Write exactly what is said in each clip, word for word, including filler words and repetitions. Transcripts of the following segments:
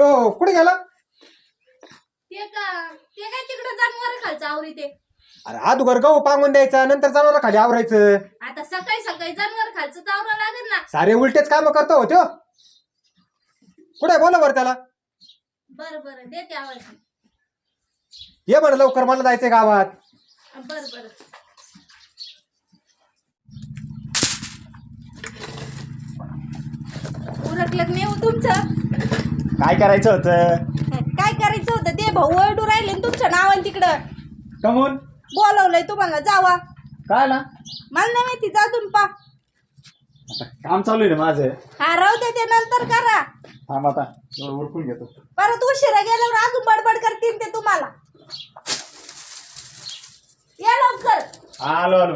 तो कुठे गेला? ते का ते काय तिकडे जनावर खालचं आवरी ते. अरे अगोदर गहू पांगून द्यायचा नंतर जनावर खाली आवरायचं. आता सकाळी सकाळी जनावर खालचं चावरा लागेल ना. सारे उलटेच काम करतो हो त्यो. कुठे बोला बरं त्याला. बर बर देते आवाज. ये बरं लवकर मला जायचंय गावात. बर बर उरकलं नाही हो तुमचं. काय करायचं होतं? काय करायचं होतं ते भाऊ ओरडू राहिले ना तुमच्या नावाने तिकडं. कमून बोलवलंय तुम्हाला जावा. काय ना मला नाही माहिती जा तुम्ही पा. काम चालू आहे ना माझं. हा राहू दे ते नंतर करा. थांब आता उरकून घेतो. परत उशिरा गेल्यावर अजून बडबड करतील ते तुम्हाला. या लवकर. आलो आलो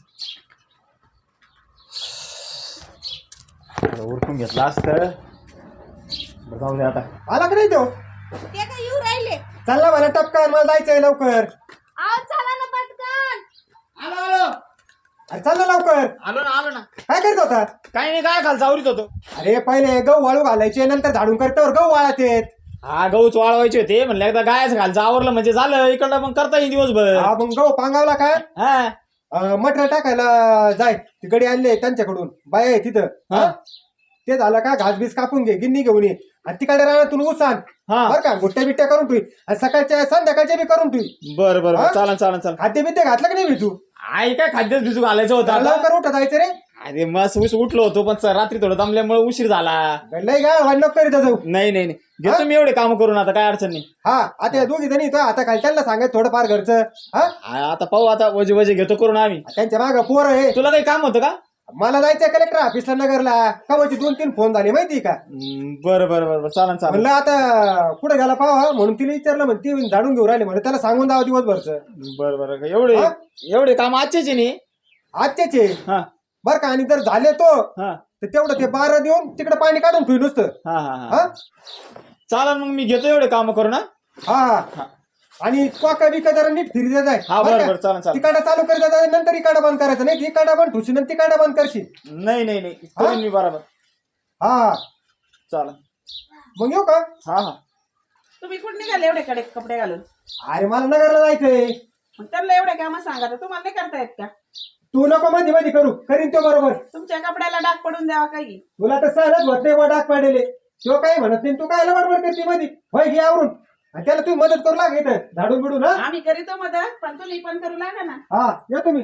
उरकून घेतला असतं. जाऊ दे आता. आला का नाही तो? ते काय येऊ राहिले. चालला मला टपका मला जायचंय लवकर. आवाज चला ना पटकन. आलो आलो अरे चाललं लवकर. आलो ना आलो ना. काय करत होता? काही नाही काय खालचा आवरीत होतो. अरे पहिले गहू वाळू घालायचे नंतर झाडून करतावर गहू वाळत येत. हा गहूच वाळवायचे होते म्हणलं एकदा गायच खालचं आवरलं म्हणजे झालं इकडलं मग करता येईल दिवसभर. हा मग गहू पांगावला काय हा मटेरियल टाकायला जाय. तिकडे आणले त्यांच्याकडून बाय आहे तिथं. हा. ते झालं का घास बीस कापून घे गिन्नी घेऊन ये आणि तिकडे राहण्यातून उसान हा बरं का गुट्ट्या बिट्ट्या करून ठेवी आणि सकाळच्या संध्याकाळच्या बी करून ठेवी. बरं बरं हा? बरं चालन चालन चालन. खाद्य बिद्य घातलं की नाही भिजू? आई काय खाद्यच भिजू घालायचं होतं आता. लवकर उठा जायचं रे. अरे मस्त उस उठलो होतो पण रात्री थोडं दमल्यामुळे उशीर झाला. लय गाळ वाढ नको करीत जाऊ. नाही नाही नाही घेतो मी एवढे काम करून आता काय अडचण नाही. हा आता या दोघी जणी तो आता काय त्यांना सांगायचं थोडंफार घरचं. हा आ, आता पाहू आता वजे वजे घेतो करून आम्ही. त्यांच्या मागं पोर आहे. तुला काही काम होतं का? मला जायचंय कलेक्टर ऑफिसला नगरला. कवाची दोन तीन फोन झाले माहिती का? हम्म, बरं बरं बरं बरं चालन चालन. म्हणलं आता कुठे गेला पाहा म्हणून तिला विचारलं म्हणते ती झाडून घेऊन राहिले म्हणलं त्याला सांगून द्यावं दिवसभरचं. बरं बरं एवढे हा? एवढे काम आजचेच आहे नाही. आजच्याचे हा बर का. आणि जर झाले तो हा तर तेवढं ते बारा देऊन तिकडे पाणी काढून ठेवी नुसतं. हा हा हा हा चालन मग मी घेतो एवढे काम करून. हा हा हा आणि कोका बिका जरा नीट फिरी देत हा बरं बरं चालन चालन. तिकडं चालू करीत जाय नंतर इकडं बंद करायचं नाही. इकडं बंद ठुशी नंतर तिकडं बंद करशील. नाही नाही नाही करीन मी बरोबर. हा चालन मग येऊ का? हा हा तुम्ही कुठे निघाले एवढे कडे कपडे घालून? अरे मला नगरला जायचंय. मग त्यांना एवढे काम सांगा तर तुम्हाला नाही करता येत का? तू नको मध्ये मध्ये करू करीन तो बरोबर. तुमच्या कपड्याला डाग पडून द्यावा काही. तुला तर सहलच होत नाही डाक पाडले. तो काही म्हणत नाही. तू काय बडबड करते मध्ये होय घे आवरून आणि त्याला तुम्ही मदत करू लाग इथं झाडून बिडून. हा आम्ही करीतो मदत पण तुम्ही पण करू लागा ना. हा या तुम्ही.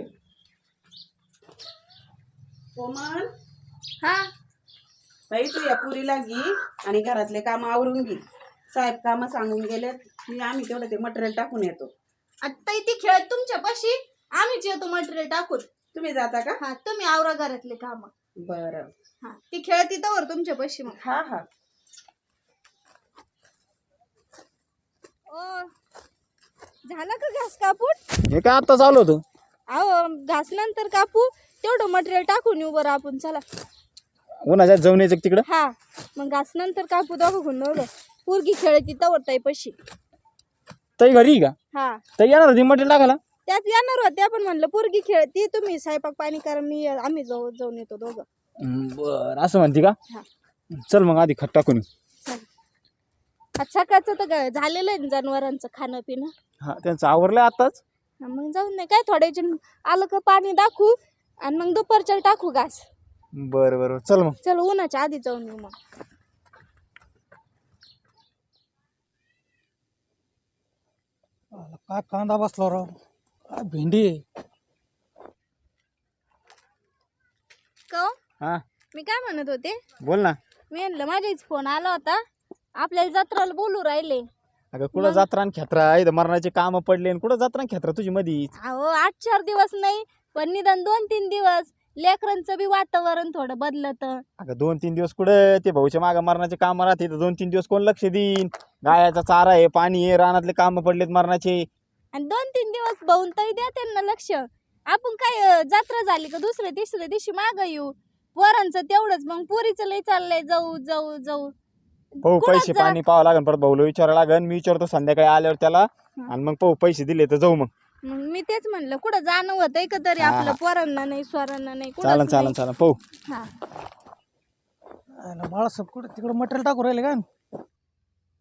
कोमल हा बाई तू या पुरीला घे आणि घरातले काम आवरून घे. साहेब काम सांगून गेलेत मी आम्ही तेवढं ते मटेरियल टाकून येतो. आता इथे खेळत तुमच्या पाशी आम्हीच येतो मटेरियल टाकून. तुम्ही जाता का? हा तुम्ही आवरा घरातले काम. बरं हा ती खेळत इथं वर तुमच्या पाशी. मग हा हा ओ झाला का घास कापून? हे काय आता चालू होतं. अहो घास नंतर कापू तेवढं मटेरियल टाकून येऊ बरं आपण. चला उन्हाच्या जाऊन यायचं तिकडं. हा मग घास नंतर कापू दोघं गुंडवलं. पोरगी खेळत इथं वर ताई पशी. ताई घरी का? हा ताई येणार होती मटेरियल टाकायला. त्याच येणार होते आपण म्हणलं पोरगी खेळती तुम्ही स्वयंपाक पाणी करा मी आम्ही जाऊ जाऊन येतो दोघं. बर असं म्हणते का? हा चल मग आधी खट टाकून येऊ. चल. आज सकाळचं तर ग- झालेलं आहे ना जनावरांचं खाणं पिणं. हा त्यांचं आवरलंय आताच. हा, मग जाऊन नाही काय थोड्याचे आलं का पाणी दाखवू आणि मग दुपारच्या टाकू घास. बरं बरं चल मग. चल उन्हाच्या आधी जाऊन येऊ. मग काय कांदा बसला राव. काय भेंडी आहे. का हा मी काय म्हणत होते बोल ना. मी म्हणलं माझ्याच फोन आला होता आपल्याला जत्राला बोलू राहिले. अगं कुठं जत्रा आणि खेत्रा इथं मरणाचे काम पडले आणि कुठं जत्रा आणि खेत्रा तुझी मधी. अहो आठ चार दिवस नाही पण निदान दोन तीन दिवस लेकरांचं बी वातावरण थोडं बदलत. अगं दोन तीन दिवस कुठं ते भाऊच्या मागं मरणाचे काम राहते तर दोन तीन दिवस कोण लक्ष देईन. गायाचा चारा आहे पाणी आहे रानातले काम पडलेत मरणाचे. आणि दोन तीन दिवस भाऊन तरी द्या त्यांना लक्ष. आपण काय अं, जत्रा झाली का दुसऱ्या तिसऱ्या दिवशी माग येऊ. पोरांचं तेवढंच मग पोरीचं लय चाललंय जाऊ जाऊ जाऊ. पाहू कुठं पैसे जा- पाणी पाहावं लागेल परत भाऊला विचारावं लागेल. मी विचारतो संध्याकाळी आल्यावर त्याला आणि मग पाहू पैसे दिले तर जाऊ मग. मग मी तेच म्हणलं कुठं जाणं होतंय का तरी हा, आपलं हा. पोरांना नाही स्वरांना नाही चालन कुठंच चालन नाही. चालन पाहू. हा बाळासाहेब कुठे तिकडे मटेरियल टाकू राहिले काय?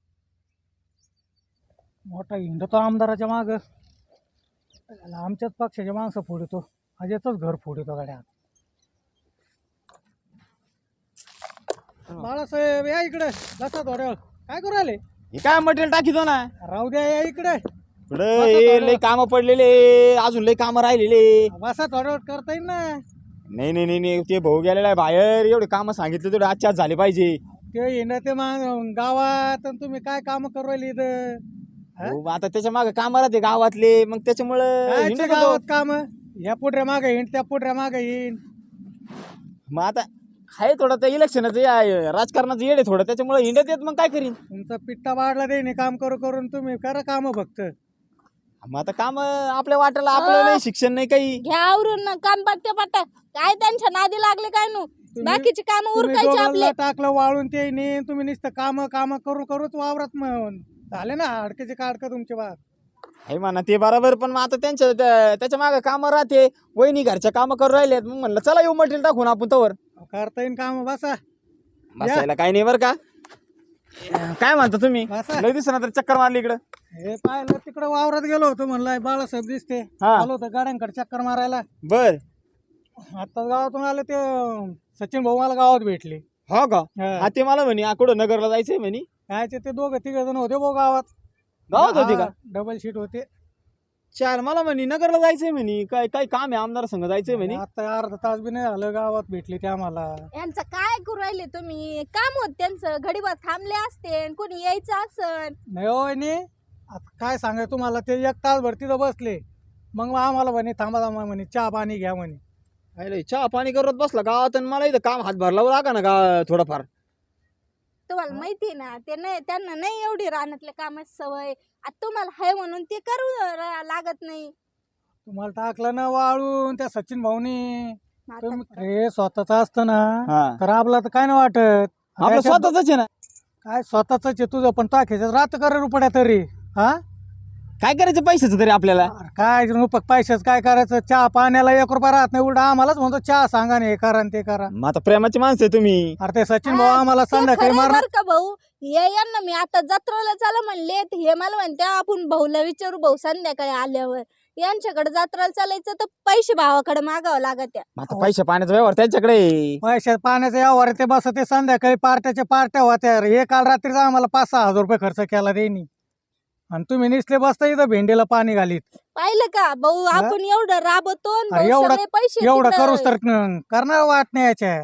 मोठा हिंडतो आमदाराच्या माग, आमच्याच पक्षाच्या माणसं फोडतो, अजयच घर फोडतो गाड्या. बाळासाहेब या इकडे, बसा थोड्या वेळ. काय करू राहिले? हे काय मटेरियल टाकीतो ना राहू द्या, या इकडे पुढे हे लय काम पडलेले, अजून लय काम राहिलेले. बसा थोड्या वेळ, करता येईल ना. नाही नाही नाही नाही, ते भाऊ गेलेला आहे बाहेर, एवढे काम सांगितले तेवढे आजच्या आज झाले पाहिजे. ते हिंडा ते मा गावात, आणि तुम्ही काय काम करू राहिले इथं? हा? हो, आता त्याच्या मागे काम राहते गावातले, मग त्याच्यामुळं कायचे हिंडत होतो. गावात काम? या पुढऱ्या मागे हिंड, त्या पुढऱ्या मागे हिंड. मग आता आहे थोडं ते इलेक्शनाचं या- राजकारणाचं येड आहे थोडं, त्याच्यामुळे हिंडत येत. मग काय करीन? तुमचा पिट्टा वाढला देणे काम करू करून, तुम्ही करा काम फक्त. मग आता काम आपल्या वाट्याला, आपलं नाही शिक्षण नाही काही. घ्या आवरून ना काम पट्ट्या पट्ट्या. काय त्यांच्या नादी लागले काय नु? बाकीची काम तुम्ही उरकायची आपले. दोघांना टाकलं वाळून ते नाही, तुम्ही नुसतं काम काम करू करूच वावरात म- झाले ना हाडकेचे काढका तुमचे बाग. आहे म्हणा ते बरोबर, पण मग आता त्यांच्या त्या- त्याच्या मागे काम राहते. वहिनी घरच्या काम करून राहिलेत, मग म्हणलं चला येऊ मटेरियल टाकून आपण तवर. करता येईन काम, बसा बसायला काही नाही बरं का. काय म्हणता तुम्ही? बसा. लय दिसना तर चक्कर मारली इकडं. हे पाहिलं तिकडे वावरात गेलो होतो, म्हणलं बाळासाहेब दिसते, हा. आलो होतो गाड्यांकडे चक्कर मारायला. बर. आता गावातून आले ते सचिन भाऊ मला गावात भेटले. हो का? हा. हा, ते मला म्हणे आ, कुठं नगरला जायचंय म्हणे. कायचे ते दोघं तिघ जण होते भाऊ गावात. गावात होती का? डबल शीट होते. चार मला म्हणे नगरला जायचंय म्हणे, काय काय काम आहे आमदार संघ जायचंय म्हणे. आता अर्धा तास बी नाही झालं, गावात भेटले ते आम्हाला. यांचं काय करू राहिले तुम्ही? काम होत त्यांचं, घडीभर थांबले असते, कोणी यायचं असन. नाही हो वहिनी, आता काय सांगाय तुम्हाला, ते एक तास भर तिथं बसले, मग आम्हाला म्हणे थांबा थांबा म्हणे, चहा पाणी घ्या म्हणे. अरे चहा पाणी करत बसला गावात, आणि मला इथं काम हातभार लावू लागा ना गा थोडंफार. तुम्हाला माहिती ना, ते नाही, त्यांना नाही एवढी रानातल्या कामाची सवय. आता तुम्हाला हाय म्हणून ते करू र- लागत नाही. तुम्हाला टाकलं ना वाळून त्या सचिन भाऊनी. आता तुम्ही हे स्वतःच असतं ना, हा, तर आपलं तर काय नाही वाटत. आपलं याच्यात स्वतःच आहे ना. काय स्वतःच आहे तुझं, पण टाकायचं रात कर रुपड्या तरी. हा, काय करायचं पैशाचं तरी आपल्याला. अरे काय रुपये पैशाच काय करायचं? चहा पाण्याला एक रुपया राहत नाही, उलटा आम्हालाच म्हणतो चहा सांगा ना, हे करा न ते करा. मग आता प्रेमाची माणसं आहे तुम्ही. अरे ते सचिन भाऊ हा, आम्हाला ते संध्याकाळी खरंय मारणार. बरं का भाऊ, हे यांना मी आता जत्रेला चला म्हणले, तर हे मला म्हणते आपण भाऊला विचारू, भाऊ संध्याकाळी आल्यावर. यांच्याकडे जत्रेला चालायचं तर पैसे भावाकडे मागावं लागत त्या. मग आता पैसे पाण्याचा व्यवहार त्यांच्याकडे आहे. पैशात पाण्याचा यावर ते बस ते संध्याकाळी पार्ट्याच्या पार्ट्या होत्या. हे काल रात्रीचा आम्हाला पाच सहा हजार रुपये खर्च केला देईनी, आणि तुम्ही निसले बसता इथं भेंडीला पाणी घालीत. पाहिलं का भाऊ, आपण एवढं राबतो आणि अरे भाऊ एवढं- सगळे पैसे एवढं तिकडं- करूच तर न- करणार वाट नाही याच्या.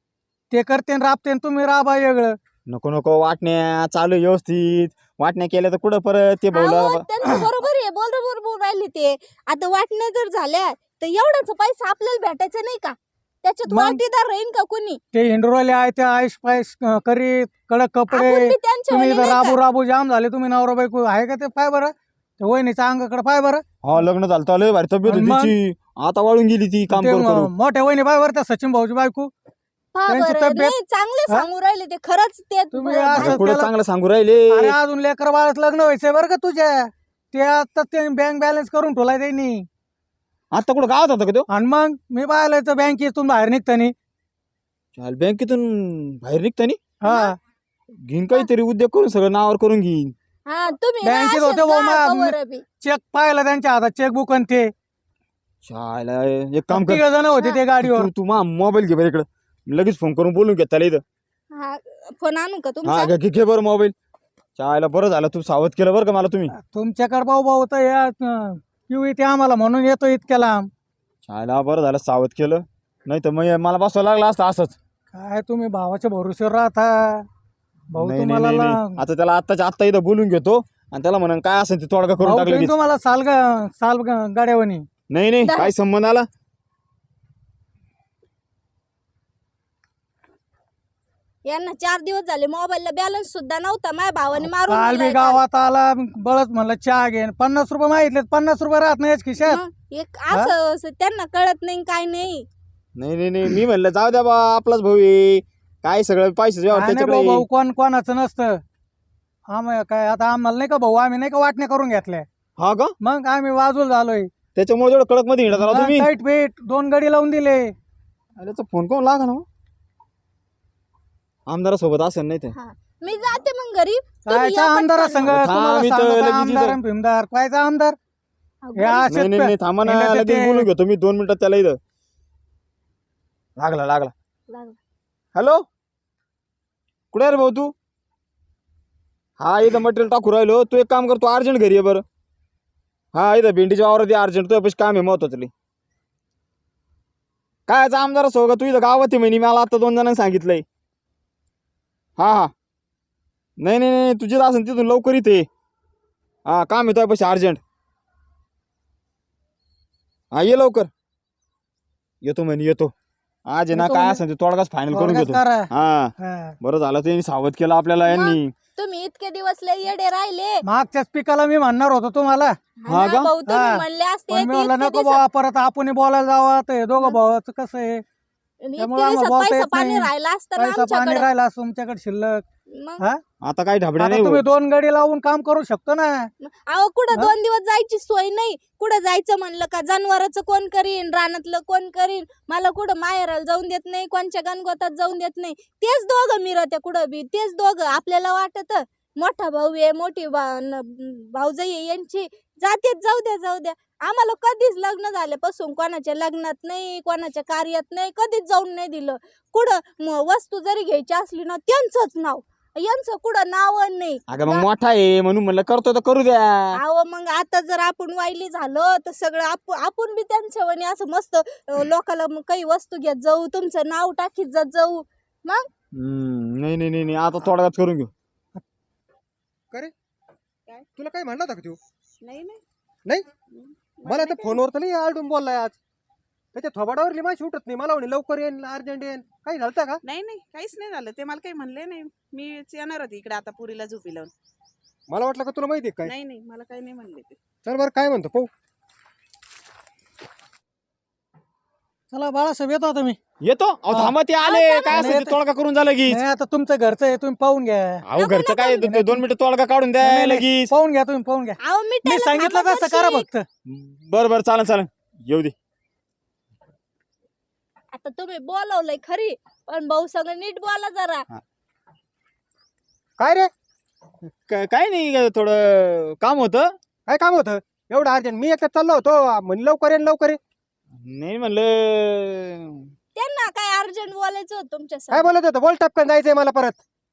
ते करते न राबते न तुम्ही राबा वेगळं. नको नको, वाटण्या चालू व्यवस्थित. वाटण्या केल्या तर कुठं परत ते भाऊला. अहो, त्यांचं बरोबर आहे, बोल बरोबर राहिले ते. आता वाटण्या जर झाल्या तर एवढाच पैसा आपल्याला भेटायचा नाही का? त्याच्यात मग? वाटीदार राहीन का कोणी? ते हिंडरोले आहे ते आईश पायस करीत, कडक कपडे. आपण बी त्यांच्या तुम्ही वाणी इथं नाही राबू का? राबू जाम झाले. तुम्ही नवरा बायको आहे का ते? पाय बरं ते वहिनीच्या अंगाकडे पाय बरं. हा, लग्न झालं तर लय भारी तब्येत आणि होती मग? तिची. आता वाळून गेली ती काम ते करू म- करू. मोठ्या वहिनी पाय बरं, त्या सचिन भाऊची बायको. पहा त्यांची बरं, तब्येत- नाही चांगले हा? सांगू राहिले ते, खरंच ते तुम्ही बरं- असं- काय पुढं त्याला- चांगलं सांगू राहिले. अरे अजून लेकर बाळाच लग्न व्हायचंय बरं का तुझ्या. ते आता ते बँक बॅलन्स करून ठेवलाय त्यांनी. आता कुठं गावात होता का तो? आणि मग मी पाहिलं तर बँकेतून बाहेर निघतानी. चाल, बँकेतून बाहेर निघतानी हा, घेईन काहीतरी उद्योग करून, सगळं नावावर करून घेईन. हा, तुम्ही ना बँकेत असेच होते जा भाऊ, मा- कवरं बी. चेक पाहिलं त्यांच्या हातात, चेकबुक आणि ते चायला एक काम कर, तिघ जण होते ते गाडीवर. तू तू मा मोबाईल घे बरं इकडं, लगेच फोन करून बोलून घे त्याला इथं. हा, फोन आणू का हा, तुमचा? घे घे- घे बरं मोबाईल. चायला बरं झालं तू सावध केलं बरं का मला तुम्ही. तुमच्याकडे भाऊ भाऊ तर या पिऊ इथे आम्हाला म्हणून येतो इतक्या लांब. चायला बरं झालं सावध केलं, नाही तर मग मला बसवायला लागला असतं असंच. काय तुम्ही भावाच्या भरोश्यावर राहता भाऊ? नाही नाही तुम्हाला नाही, ला- नाही. आता त्याला आत्ताच्या आत्ता इथं बोलून घेतो, आणि त्याला म्हणून काय असेल ते तोडगा करून भाऊ टाकलं. तुम्ही तुम्हाला साल गा- साल गा- गाड्यावनी. नाही नाही, काय संबंध आला? यांना चार दिवस झाले मोबाईलला बॅलन्स सुद्धा नव्हता, माझ्या भावाने मारून काल मी दिलाय काल. गावात आला, बळच म्हणलं चहा घेन. पन्नास रुपये मागितले, पन्नास रुपये राहत नाही खिशात. मग एक असं असं त्यांना कळत नाही काय नाही. नाही नाही नाही, मी म्हणलं जाऊ द्या बा, आपलाच भाऊ आहे, काय सगळं पैसे काय नाही भाऊ, त्याच्याकडे. भाऊ कोण कोणाचं नसतं. आम्ही काय आता आम्हाला नाही का भाऊ, आम्ही नाही का वाटण्या करून घेतल्या. हा का? मग आम्ही वाजूल झालोय. त्याच्यामुळे जेवढं कडक मध्ये हिंडत आला तुम्ही. टाईट पेट दोन गडी लावून दिले. अरे तो फोन कोण लागा ना, आमदारासोबत असेल नाही तर. हा, मी जाते मग घरी तुम्ही कायचा या आमदार पटकन. संघ थांब, तुम्हाला इथं सांगू का लगेच आमदार इथं. आणि भीमदार कायचा आमदार अहो, हे असेच नाही नाही नाही, थांबा ना येण्यात लगेच येते. बोलून घेतो मी दोन मिनिटात त्याला. इथं लागला लागला. लागलं. हॅलो, कुठे आहे रे भाऊ तू? हा इथं मटेरियल टाकू राहिलो. तू एक काम कर, तू अर्जंट घरी आहे बरं. हा इथं भेंडीच्या वावरात अर्जंट, तुझ्या पैसे काम आहे महत्वाचं लई. काय आमदार असो का तू? इथं गावात आहे म्हणे, मला आता दोन जणांनी सांगितलंय. हा हा नाही नाही नाही, तुझी असेल तिथून लवकर इथे. हा काम आहे तुझ्या पैसे अर्जंट. हा ये लवकर. येतो म्हणे येतो. आज आहे ना येतो काय म्हणे? असेल ते तोडगाच फायनल करून थोडक्यात घेतो. करा. हा हा. बरं झालं त्यांनी सावध केलं आपल्याला यांनी. तुम्ही इतके दिवस लय येडे राहिले. मागच्याच पिकाला मी म्हणणार होतो तुम्हाला हा हा का? ना, भाऊ तुम्ही हा. म्हणले असते पण मी ते म्हणलं इतके नको दिवसात- बाबा परत आपण बोलायला जावं तर हे दोघं भावाचं कसं आहे इतके त्यामुळे आम्हाला दिवसात बोलता पैसा येत पाणी नाही. राहिला असता ना पैसा पाणी आमच्याकडे. राहिला असं तुमच्याकडे शिल्लक मग हा आता काही ढाबड्या आता नाही तुम्ही भाऊ. दोन गडी लावून काम करू शकतो ना अहो कुठं हा? दोन दिवस जायची सोय नाही. कुठं जायचं म्हणलं का जनावरांचं कोण करीन, रानातलं कोण करीन. मला कुठं माहेराला जाऊन देत नाही, कोणच्या गणगोतात जाऊन देत नाही. तेच दोघं मिरत्या कुठं बी, तेच दोघं. आपल्याला वाटत मोठा भाऊ आहे, मोठी भा- न- भाऊजाई आहे यांची, जातेच जाऊ द्या जाऊ द्या. आम्हाला कधीच लग्न झाल्यापासून कोणाच्या लग्नात नाही, कोणाच्या कार्यात नाही, कधीच जाऊन नाही दिलं. कुठं म- वस्तू जरी घ्यायची असली ना त्यांचंच नाव, यांचं कुठं नाव नाही. अगं मग मोठा आहे म्हणून म्हणलं करतो तर करू द्या. अहो मग आता जर आपण वाईली झालो तर सगळं आपण आपण बी त्यांच्या वाणी असं मस्त अं, लोकाला मग काही वस्तू घेत जाऊ, तुमचं नाव टाकीत जात जाऊ. मग हम्म, नाही नाही नाही नाही, आता तोडगाच करून घेऊ. करे तुला काय म्हणला होता का तू? नाही नाही नाही हम्म. मला तर नाही फोनवर तर नाही आलटून बोललाय आज. त्याच्या थोबाडावरली माशी उठत नाही. मला म्हणे लवकर येईन अर्जंट येईन. काही झालं का? नाही नाही काहीच नाही झालं. ते मला काही म्हणले नाही. मीच येणार होती इकडे आता पुरीला झोपी लावून. मला वाटलं का तुला माहिती आहे काय. नाही नाही मला काही नाही म्हणले ते. चल बरं काय म्हणतो पाहू. चला बाळासाहेब येतो आता मी येतो. अहो हा. थांबा, ते आले. हा, काय असेल ते येतो. तोडगा करून झालं की. नाही आता तुमचं घरचं आहे तुम्ही पाहून घ्या अहो नको, घरचं काय नको. दो- दोन मिनिटं तोडगा काढून द्या नाही, नाही, लगेच. पाहून घ्या तुम्ही पाहून घ्या अहो मी मी त्याला सांगितलं थांबा तसं करा जराशी. फक्त बरं बरं चालन चालन येऊ दे. आता तुम्ही बोलवलंय खरी, पण भाऊ सगळं नीट बोला जरा. काय रे काय काय नाही, थोडं काम होतं. काय काम होतं एवढं अर्जंट? मी एकटा चाललो होतो म्हणे लवकर येईन लवकर ये. नाही म्हणलं. त्यांना काय अर्जंट बोलायचं होतं तुमच्या काय संग. बोलत होतं? बोल टपकन जायचंय मला परत.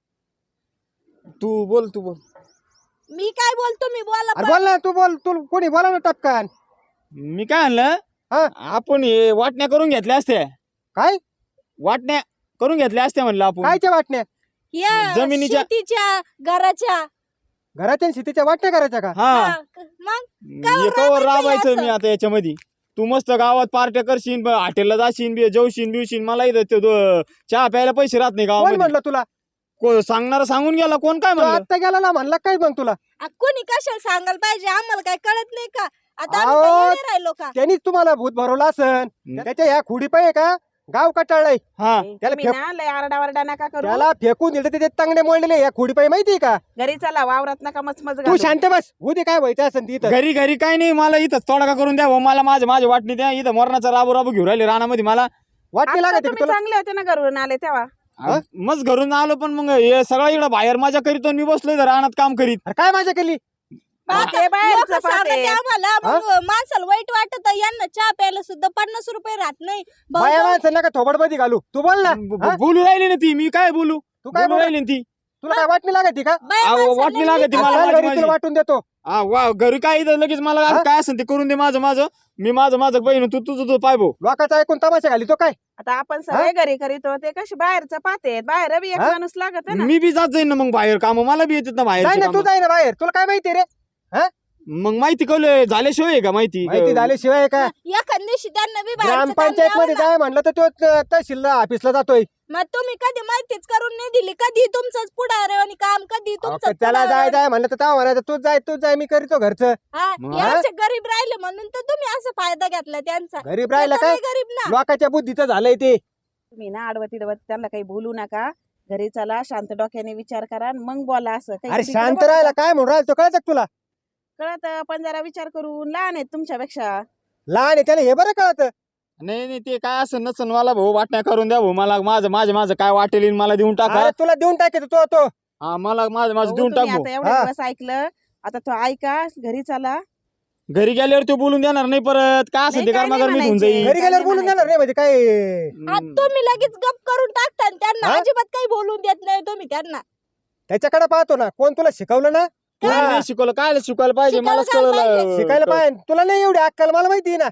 तू बोल तू बोल. मी काय बोलतो मी बोला अरे पण. बोल ना तू बोल. तू कोणी बोला ना टपकन. मी काय म्हणलं, हा? आपण हे वाटण्या करून घेतल्या असत्या. काय वाटण्या करून घेतल्या असत्या म्हणलं आपण. कायच्या वाटण्या? या जमिनीच्या- शेतीच्या घराच्या. घराच्या आणि शेतीच्या वाटण्या करायच्या का? हा हा, मग कावर हे कवर राबायचं राबायचं असं? मी आता याच्यामध्ये. तू मस्त गावात पार्ट्या करशील, ब- हॉटेलला जाशील, बी- जेवशील बिवशील. मला इथं ते दो- चहा प्यायला पैसे राहत नाही कोण गावामध्ये. म्हणलं तुला? को- सांगणारा सांगून गेला, कोण काय तू म्हणलं. आत्ता गेला ना म्हणला काय मग तुला? आ, कोणी कशाला सांगायला पाहिजे? आम्हाला काय कळत नाही का? आता आम्ही अहो, काय येडे राहिलो का? त्यांनीच तुम्हाला भूत भरवलं असन. हम्म. त्याच्या ह्या खुडी पाहिजे का गाव कटाळलंय. हा त्याला तुम्ही फेक- ना लय आरडावरडा नका करू. त्याला फेकून दिलं त्याचे तांगडे मोडलेले या खुडी पाहिजे माहितीये का? घरी चला, वावरात नका मचमच तू घालू. शांत बस. उद्या काय व्हायचं असेल तिथं. घरी घरी काय नाही, मला इथं तोडगा करून द्या. हो, मला माझे माझे वाटणी द्या. इथं मरणाचा राबू राबू घेऊन राहिले रानामध्ये मला. वाटणी आता लागत का तुम्ही तुला? चांगले होते ना घरून आले तेव्हा. हा? मग घरून आलो, पण मग हे सगळं इकडं बाहेर मजा करीतो, मी बसलोय इथं रानात काम करीत. अरे काय माझ्या केली? आता ते बाहेरचं लोकं सांगते पाहते. आम्हाला, मग माणसाला वाईट वाटत. यांना चहा प्यायला सुद्धा पन्नास रुपये राहत नाही. भाऊ बाया जाऊ- माणसं नका थोबडमध्ये घालू. तू बोल ना. ब- हा? ब- बोलू राहिली ना ती. मी काय बोलू? तू काय बोलू बोल? राहिली ना ती. तुला काय वाटणी लागत का? बाया अहो, माणसाला वाटणी लई लागते नीट मला. चल बोला. घरी माझी- तुला वाटून देतो. हा वा, घरी काय इथं लगेच मला हा? काय असेल ते करून दे. माझं माझं मी माझं माझं बहीण, तू तुझं तू पाय भाऊ. लोकांचा ऐकून तमाशा घाली तो काय? आता आपण सगळे घरी करीतो, ते कशी बाहेरचं पाहते. बाहेर बी एक हा? माणूस लागत आहे ना. मी बी जात जाईन ना मग बाहेर काम. मला बी येतात ना जाय बाहेर ना तू जाय ना बाहेर. तुला काय माहिती रे? मग माहिती कळलं झाल्याशिवाय आहे का माहिती? माहिती झाल्याशिवाय का? एखाद दिवशी त्यांना बी बाहेरचं काम ग्रामपंचायत मध्ये द्यावं ना. जाय म्हणलं तर तो त- तहसील ऑफिसला जातोय. मग तुम्ही कधी माहितीच करून नाही दिली. कधी तुमचंच पुढारे आणि काम, कधी अहो, तुमचं त्याला जाय जाय म्हणलं तर तेव्हा म्हणायचं तूच जाय तूच जाय मी करतो घरचं. मग? असे गरीब राहिले म्हणून तर तुम्ही असा फायदा घेतला त्यांचा. गरीब राहिला ते तर काय? लई गरीब ना. लोकांच्या बुद्धीचं झालंय ते. तुम्ही ना आडवत इडवत त्यांना काही बोलू नका. घरी चला, शांत डोक्याने विचार करा आणि मग बोला. असं काही अरे तिकडे शांत बघा. राहायला काय म्हणून राहिला तो कळत तुला? कळत, पण जरा विचार करून. लहान आहेत तुमच्यापेक्षा. लहान आहे त्याला हे बरं कळत. नाही नाही, ते काय असं नसन मला भाऊ. वाटण्या करून द्या भाऊ मला. माझं माझं माझं काय वाटेल मला देऊन टाका. अरे तुला देऊन टाकायचं तो तो हा मला माझं माझं अहो, देऊन तुम्ही टाक आता एवढे हा. दिवस ऐकलं, आता तो ऐका, घरी चला. भाऊ. घरी गेल्यावर तो बोलून देणार नाही परत काय असं नाही, ते काय गरमागर नाही मी होऊन म्हणायचे. जाईल घरी गेल्यावर बोलून देणार नाही म्हणजे काय? आ, तुम्ही लगेच गप करून टाकता आणि त्यांना हा? अजिबात काही बोलून देत नाही तुम्ही त्यांना. त्याच्याकडे पाहतो ना, कोण तुला शिकवलं ना? कोणी हा. नाही शिकवलं काय शिकवायला पाहिजे शिकायला मलाच काय कळलं पाहिजे? शिकायला पाहिजे. तुला नाही एवढी अक्कल, मला माहिती आहे ना.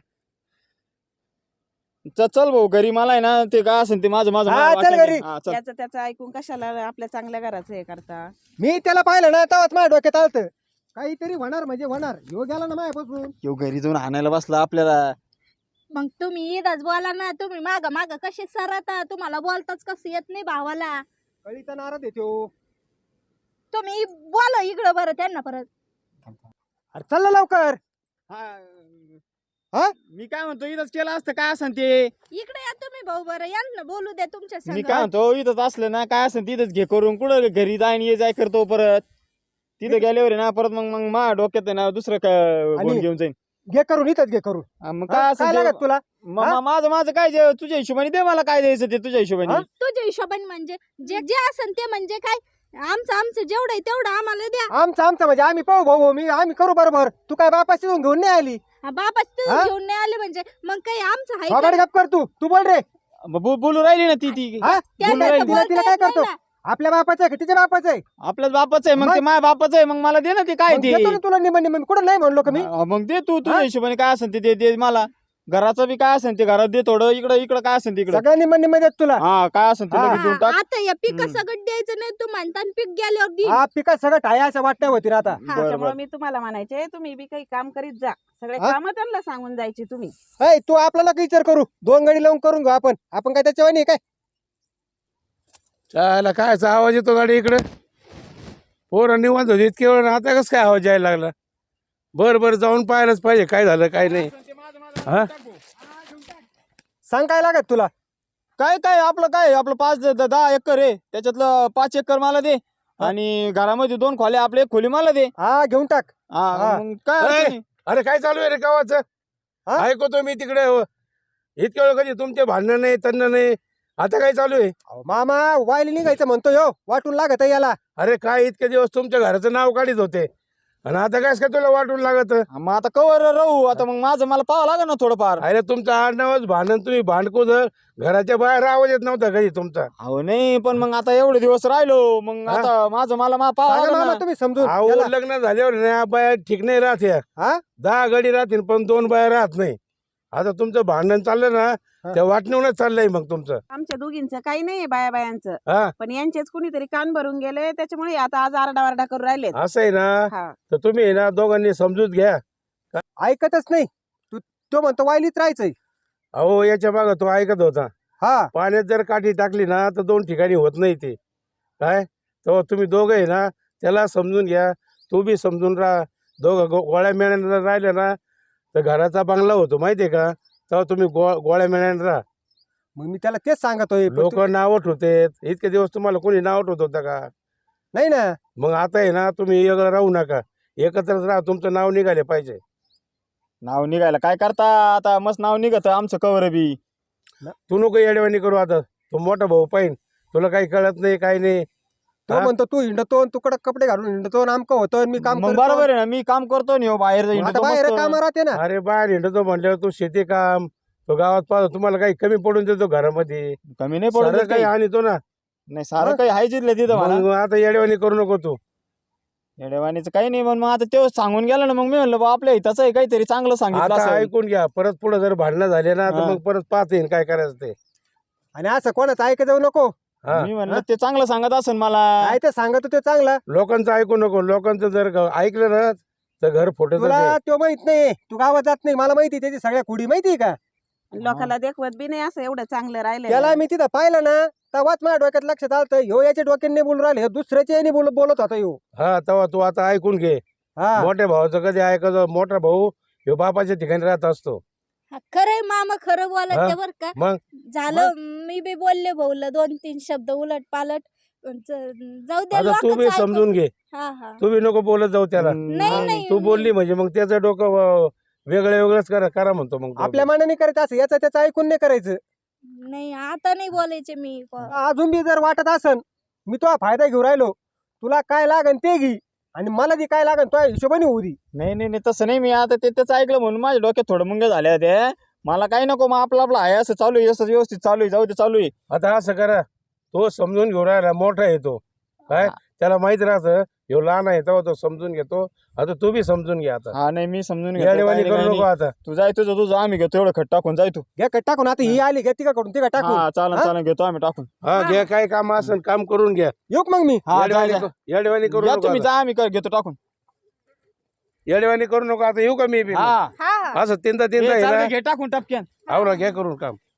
च- चल भाऊ घरी मला आहे ना ते काय असेल ते माझं माझं हा, मला चल वाटेल घरी. ते. हा, चल. याचं त्याचं ऐकून कशाला आपल्या चांगल्या घराचं हे करता. मी त्याला पाहिलं ना तेव्हाच माझ्या डोक्यात आलतं काहीतरी होणार म्हणजे होणार. ह्यो गेला ना माझ्यापासून. ह्यो घरी जाऊन आणायला बसला आपल्याला. मग तुम्ही इथंच बोला ना, तुम्ही माग माग कसे सरता, तुम्हाला बोलताच कसं येत नाही भावाला. कळीचा नाराज येतो. तुम्ही बोला इकडं बरं त्यांना परत. अरे चल ना लवकर. हा. हा? मी काय म्हणतो इथंच केलं असतं काय असेल ते. इकडे या तुम्ही भाऊ बरं, यांना बोलू द्या तुमच्या मी संग. काय म्हणतो इथंच असलं ना काय असेल तिथंच घे करून कुठं घरी जाय आणि ये जाय करतो परत तिथं गेल्यावर आहे ना परत मग मग मा डोक्यात आहे ना दुसरं काय आणि- गोंड घेऊन जाईन घे करून इथंच घे करून. हा, मग हा? काय काय असेल लागत ते- तुला? म- म- माझं माझं काय जे तुझ्या हिशोबाने दे मला काय द्यायचं ते तुझ्या हिशोबाने हा? तुझ्या हिशोबाने म्हणजे जे जे असन ते म्हणजे काय, आमचं आमचं जेवढं आहे तेवढं आम्हाला द्या. आमचं आमचं म्हणजे आम्ही पाहू भाऊ, मी आम्ही करू बरोबर. तू काय बापाशी जाऊन घेऊन नाही आली? हा, बाबा हा? तुम्ही घेऊन नाही आले म्हणजे मग काही आमचं आहे बाबाड का? गप कर तू. तू बोल रे. मग बो- बोलू राहिली ना ती ती हा? त्यांना बोलू तर राहिली. तिला बोलता तिला काय येत नाही करतो? ना. आपल्या बापाचं आहे का तिच्या बापाचं आहे? आपल्याच बापाचं आहे मग मग? ते माझ्या बापाचं आहे मग मला दे ना ते काय मग ते देतो ना तुला निम निम. कुठं नाही म्हणलो का मी? हा, मग दे तू तुझ्या हा? हिशोबाने काय असेल ते दे दे मला घराचं बी काय असेल ते घरात दे थोडं इकडं इकडं काय असेल तिकडं सगळं निम निम देत तुला. हा काय असेल ते हा. लगेच देऊन टाक आता या पिका हम्म. सगळं द्यायचं नाही तू म्हणता आणि पीक गेल्यावर दे. हा पिका सगळं ठाया असं वाटण्या होती ना आता. बरं त्याच्यामुळे बरं मी तुम्हाला म्हणायचे, तुम्ही बी काही काम करीत जा. सगळे हा? काम त्यांना सांगून जायचे तुम्ही. ऐ तू आपल्याला काही विचार करू. दोन गाडी लावून करून घेऊ आपण. आपण काय त्याच्यावर नाही काय? चायला कायचा आवाज येतो गाडी इकडे पोरं निवांत होती इतके वेळ आता कसं काय आवाज यायला लागला. बरं बरं जाऊन पाहायलाच पाहिजे काय झालं काय नाही. हा सांग काय लागत तुला? काय काय आपलं काय आपलं पाच द- दहा एकर आहे त्याच्यातलं पाच एकर मला दे आणि घरामध्ये दोन खोल्या आपले एक खोली मला दे हा घेऊन टाक. हा हा. मग काय अरे, अडचण नाही. अरे काय चालू आहे रे गावाचं हा? ऐकतो मी तिकडे इतके वेळ कधी तुमचे भांडणं नाही तन्न नाही. आता काय चालू आहे? अहो, मामा वायली निघायचं म्हणतो यो. वाटून लागत याला. अरे काय इतके दिवस तुमच्या घराचं नाव काढीत होते आणि आता काय काय तुला वाटून लागत? हा, मग आता कवर राहू आता मग माझं मला पाहावं लागेल ना थोडंफार अरे तुमचं आडनावच भांडण तुम्ही भांडकू जर घराच्या बाहेर आवाज येत नव्हता कधी तुमचा. अहो नाही पण मग आता एवढे दिवस राहिलो मग हा? आता माझं मला मा पाहावं सांगा लागेल मामा ना. तुम्ही समजून. अहो याला. लग्न झाल्यावर ना बाया ठीक नाही राहत या. हा? दहा गडी राहतील पण दोन बाया राहत नाही. आता तुमचं भांडण चाललं ना हा. त्या वाटणीवरच चाललंय मग तुमचं. आमच्या दोघींचं काही नाही बाया बायांचं, हा पण यांचेच कुणीतरी कान भरून गेले त्याच्यामुळे आता आज आरडा वारडा करून राहिलेत. असं आहे ना हा. तर तुम्ही आहे ना दोघांनी समजूत घ्या. ऐकतच नाही. तू तो म्हणतो वायलीत राहायचंय. अहो याच्या मागं तो ऐकत होता. हा पाण्यात जर काठी टाकली ना तर दोन ठिकाणी होत नाही ते काय. तेव्हा तुम्ही दोघं आहे ना त्याला समजून घ्या. तू बी समजून राहा. दोघं गो गोळ्या मेळ्यानं राहिलं ना तर घराचा बंगला होतो माहितीये का. तेव्हा तुम्ही गो गोळ्या मेळ्यानं राहा. मग मी त्याला तेच सांगतोय. पण लोक तू- नावट होते इतके दिवस तुम्हाला कोणी नावट होत होतं का? नाही ना. मग आता आहे ना तुम्ही वेगळं राहू नका. एकत्रच राहा. तुमचं नाव निघाले पाहिजे. नाव निघायला काय करता आता मस्त नाव निघत आमचं कवर बी तू नको येडवाणी करू आता. तू मोठा भाऊ पाहिन. तुला काही कळत नाही काही नाही. तो हा? म्हणतो तू हिंडतो तू कडक कपडे घालून हिंडतो आमकं होतं मी काम मग करतो. बरोबर आहे ना मी काम करतो नि बाहेर जाईन मग आता बाहेर काम राहते ना. अरे बाहेर हिंडतो म्हणल्यावर तू शेती काम तो गावात पाहतो तुम्हाला काही कमी पडून देतो घरामध्ये. कमी नाही पडून सारं देत काही काही आणतो ना. नाही सारं काही आहे जिथलं तिथं मला मग आता येडवाणी करू नको तू. येडेवाणीचं काही नाही पण मग आता ते सांगून गेलं ना मग मी म्हणलं बा आपल्या हिताचं आहे काहीतरी चांगलं सांगितलं आता असेल. ऐकून घ्या. परत पुढे जर भांडणं झाले ना तर हा. मग परत पाहता येईल काय करायचं ते. आणि असं कोणाचं ऐकत जाऊ नको. हा. मी म्हणलं ते चांगलं सांगत असेल मला काय ते सांगत ते चांगलं. लोकांचं ऐकू नको. लोकांचं जर ग- ऐकलं ना तर घर फुटत. तुला तो माहित नाही. तू गावात जात नाही. मला माहिती त्याची सगळ्या कुडी माहिती का. लोकांना देखवत बी नाही असं एवढं चांगलं राहिलं. त्याला मी तिथं पाहिलं ना तेव्हाच माझ्या डोक्यात लक्षात आलं ह्यो याच्या डोक्याने बोलून राहिले दुसऱ्याच्या याने बोल बोलत होता ह्यो. हा तेव्हा तू आता ऐकून घे. हा मोठ्या भावाचं कधी ऐकायचं. मोठा भाऊ ह्यो बापाच्या ठिकाणी राहत असतो. हा, खरंय मामा खरं बोलत हा? ते बर का. मग झालं मी बी बोलले भाऊला दोन तीन शब्द उलट पालट पण च- जाऊ द्या आता तू बी लोकांचं समजून ऐकून- घे. हा हा तू बी नको बोलत जाऊ त्याला. हम्म, नाही मग नाही तू बोलली म्हणजे मग त्याचं डोकं अं, वेगळं वेगळंच करा करा म्हणतो मग तो. आपल्या मनाने करायचं असं याचं त्याचं ऐकून नाही करायचं. नाही आता नाही बोलायचे मी. अजून बी जर वाटत असन मी तो फायदा घेऊ राहिलो तुला काय लागन ते घे आणि मला ती काय लागन तो हिशोबाने होऊ दे. नाही नाही नाही तसं नाही मी आता ते त्याचं ऐकलं म्हणून माझ्या डोक्यात थोडं मुंग्या झाल्या ते मला काही नको मग आपलं आपलं आहे असं चालू आहे असं व्यवस्थित चालू आहे जाऊ दे चालू आहे. आता असं करा, तो समजून घेऊन राहिला, मोठा येतो काय, त्याला माहित राहतं ह्यो लहान आहे तेव्हा तो समजून घेतो. आता तू बी समजून घे आता, हा नाही मी समजून घेतो, येडेवाणी काही नाही, करू काही नको नाही. आता. तू जाय तुझं तुझं आम्ही घेतो एवढं खट टाकून जाय तू. घ्या कट टाकून आता ही आली घ्या तिका कडून तिका टाकून. हा चालन हा? चालन घेतो आम्ही टाकून. हा घ्या, काय काम असेल काम करून घ्या. येऊ का मग मी? हा जा, येडेवाणी जा. क- येडेवाणी करू या नको तुम्ही आता. जा आम्ही कर- घेतो टाकून. येडेवाणी करू नको आता, येऊ का मी बी? हा हा असं तीनदा ए, तीनदा चालतं, आहे घे टाकून टपक्यान. ना, आवरा घ्या करून काम.